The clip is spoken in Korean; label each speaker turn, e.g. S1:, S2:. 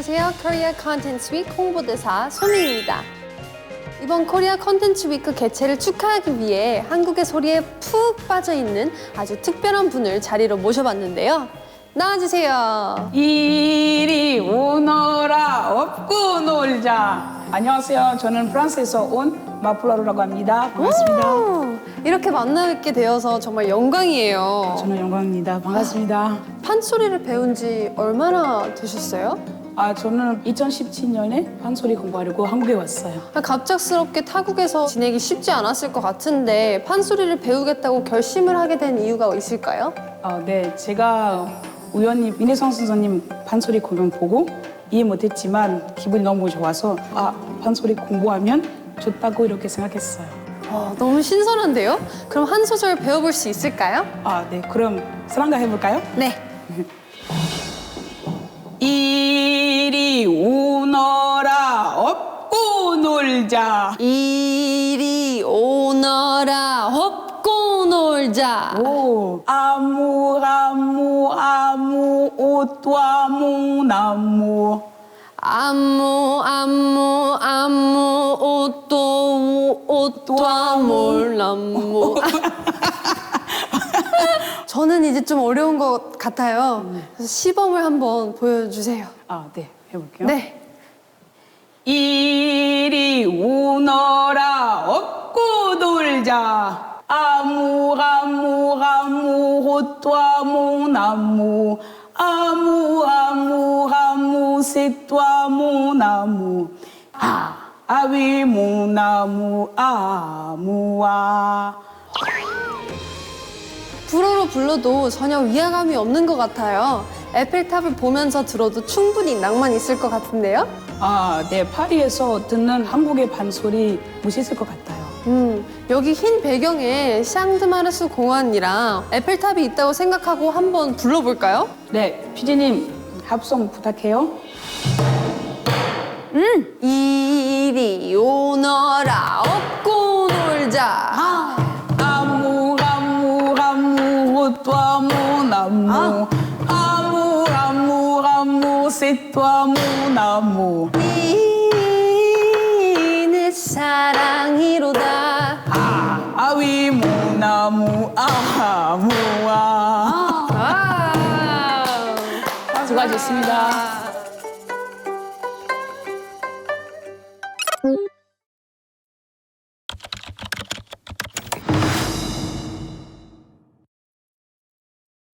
S1: 안녕하세요. 코리아 컨텐츠 위크 홍보대사 소미입니다. 이번 코리아 컨텐츠 위크 개최를 축하하기 위해 한국의 소리에 푹 빠져있는 아주 특별한 분을 자리로 모셔봤는데요. 나와주세요.
S2: 이리 오너라 업고 놀자. 안녕하세요. 저는 프랑스에서 온 마플라루라고 합니다. 반갑습니다.
S1: 오, 이렇게 만나뵙게 되어서 정말 영광이에요.
S2: 저는 영광입니다. 반갑습니다.
S1: 판소리를 배운 지 얼마나 되셨어요?
S2: 저는 2017년에 판소리 공부하려고 한국에 왔어요.
S1: 갑작스럽게 타국에서 지내기 쉽지 않았을 것 같은데 판소리를 배우겠다고 결심을 하게 된 이유가 있을까요?
S2: 네, 제가 우연히 민혜성 선생님 판소리 공연 보고 이해 못했지만 기분이 너무 좋아서 판소리 공부하면 좋다고 이렇게 생각했어요.
S1: 너무 신선한데요? 그럼 한 소절 배워볼 수 있을까요?
S2: 네, 그럼 사랑가 해볼까요?
S1: 네.
S2: 이리 오너라 업고 놀자.
S1: 이리 오너라 업고 놀자.
S2: 오, 아무 옷도 아무 나무.
S1: 아무 옷도 아몰나무. 저는 이제 좀 어려운 것 같아요. 그래서 시범을 한번 보여주세요.
S2: 네, 해볼게요.
S1: 네.
S2: 이리 오너라 업고 놀자. 아무 옷도 아무 나무. 아무 새도 아무 나무. 아위 무나무 아무아.
S1: 불어로 불러도 전혀 위화감이 없는 것 같아요. 에펠탑을 보면서 들어도 충분히 낭만 있을 것 같은데요?
S2: 네, 파리에서 듣는 한국의 판소리 멋있을 것 같아요.
S1: 여기 흰 배경에 샹드마르스 공원이랑 에펠탑이 있다고 생각하고 한번 불러볼까요?
S2: 네, 피디님 합성 부탁해요.
S1: 이리 오너라 업고 놀자.
S2: 아무 옷도 아무 나무. 아무 새도 아무 나무.
S1: 내 사랑이로다.
S2: 아위 무나무 아무아. 수고하셨습니다.